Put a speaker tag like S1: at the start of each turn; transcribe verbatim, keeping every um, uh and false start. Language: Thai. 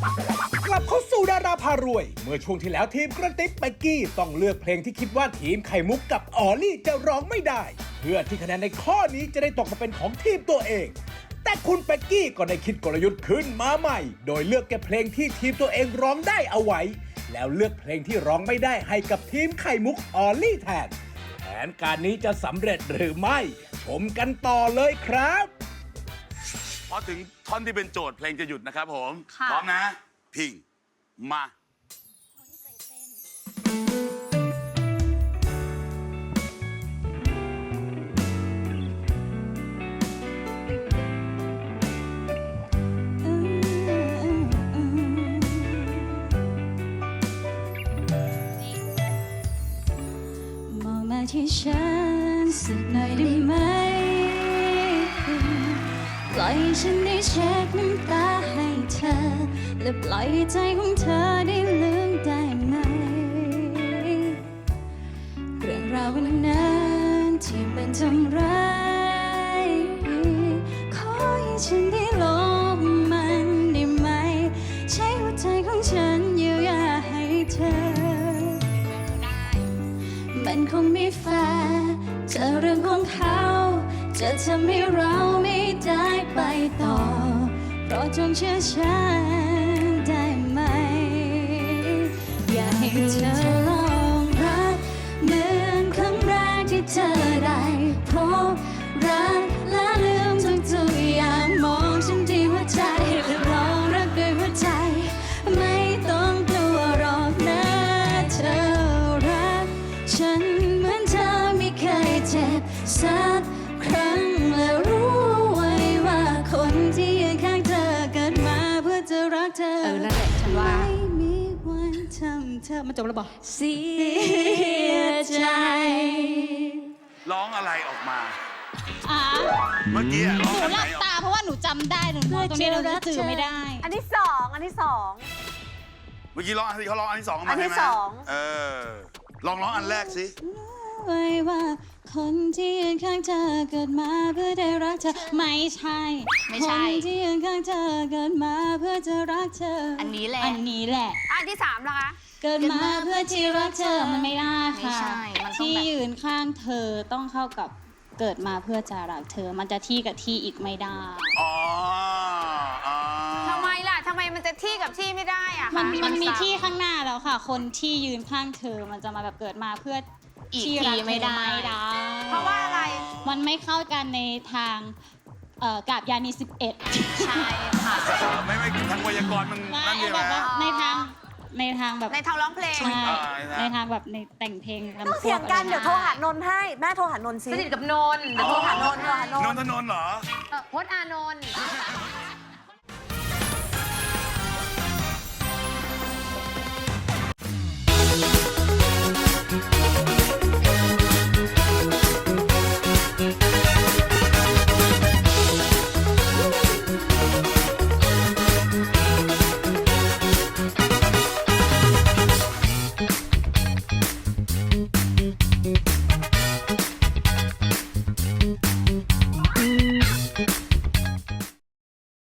S1: กลับเข้าสู่ดาราพารวยเมื่อช่วงที่แล้วทีมกระติบเบกกี้ต้องเลือกเพลงที่คิดว่าทีมไข่มุกกับออลลี่จะร้องไม่ได้ เพื่อที่คะแนนในข้อนี้จะได้ตกมาเป็นของทีมตัวเองแต่คุณเบกกี้ก็ได้คิดกลยุทธ์ขึ้นมาใหม่โดยเลือกเก็บเพลงที่ทีมตัวเองร้องได้เอาไว้แล้วเลือกเพลงที่ร้องไม่ได้ให้กับทีมไข่มุกออลลี่แทนแผนการนี้จะสำเร็จหรือไม่ชมกันต่อเลยครับ
S2: พอถึงท่อนที่เป็นโจทย์เพลงจะหยุดนะครับผม
S3: ค่ะ
S2: พร้อมนะพิงมา
S4: ที่ฉันสักหน่อยได้ไหมปล่อยฉันได้เช็ดน้ำตาให้เธอและปล่อยใจของเธอได้ลืมได้ไหมเรื่องราววันนั้นที่มันทำร้ายขอให้ฉันได้ลบมันได้ไหมใช้หัวใจของฉันเยียวยาให้เธอมันคงไม่แฟร์จะเรื่องของเขาจะทำให้เราไม่ได้ไปต่อเพราะจงเชื่อฉันได้ไหมอยากให้เธอลองรักเหมือนครั้งแรกที่เธอได้พบรักและลืมทุกๆอย่างมองฉันที่หัวใจและลองรักด้วยหัวใจไม่ต้องกลัวหรอกนะเธอรักฉันเหมือนเธอไม่เคยเจ็บสักครั้งและรู้ไว้ว่าคนที่ยืนข้างเธอเกิดมาเพื่อจะรักเธอ
S3: เออนั่นแหละฉันว่า
S4: ไม่มีวันทำเธอมาจบแล้วบอกเสียใจ
S2: ร้องอะไรออกมา
S4: อ่ะ
S2: เมื่อกี้ร้อง
S4: หนู
S2: อัน
S4: ห
S2: ไหน
S4: ลับ
S2: ออก
S4: ตาเพราะว่าหนูจำได้หนูมองตรงนี้เราจะจือไม่ได้
S3: อันที่สองอันที่สอง
S2: เมื่อกี้ร้องอันที่เขาร้องอันที่สองมา
S3: อันที่
S2: ใช่ไหม
S3: สอง
S2: เออลองร้องอันแรกสิ
S4: ไว้ว่าคนที่ยืนข้างเธอเกิดมาเพื่อได้รักเธอไม่ใช่
S3: ไม่ใช่
S4: คนที่ยืนข้างเธอเกิดมาเพื่อจะรักเธอ
S3: อั
S4: อั
S3: นนี้แหละ
S4: อันนี้แหละ
S3: อันที่สามล่ะคะ
S4: เกิดมาเพื่อที่รักเธอมันไม่ได้
S3: ไม่
S4: ค่ะ
S3: ใช่มันต้อง
S4: ที่
S3: แบบ
S4: ยืนข้างเธอต้องเข้ากับเกิดมาเพื่อจะรักเธอ มันจะที่กับที่อีกไม่ได้
S2: อ๋ออ๋อ
S3: ทำไมล่ะทำไมมันจะที่กับที่ไม่ได้อะ
S4: มั
S3: คะ
S4: นมันมี
S3: ซ้ำ
S4: ที่ข้างหน้าแล้วค่ะ คนที่ยืนข้างเธอมันจะมาแบบเกิดมาเพื่อ
S3: อีก
S4: ที่
S3: ที
S4: รักเธอ
S3: ไม่ได้
S4: ไม่ได้
S3: เพราะว่าอะไร
S4: มันไม่เข้ากันในทางเอ่อกาบยานีสิบเอ็ด
S3: ใช่ค่ะ
S2: เออไม่ไม่ทางไวยากรณ์มันนั่นเดียว
S4: แบบว่า
S2: นะ
S4: ในทางในทางแบบ
S3: ในทางร้องเพลง
S4: ใช่
S2: อ่า
S4: ในทางแบบในแต่งเพลงลำ
S5: ต้องเสียงกัน
S4: พว
S5: เดี๋ยวโทรหานนท์ให้ แม่โทรหานนท์สิ
S3: สนิทกับนนท์
S5: เดี๋ยวโทรหานนท์โทรหาน
S2: น
S5: น
S2: น
S5: ท์
S2: ทนนท์เหรอ
S3: เอ่อพจน์อานนท์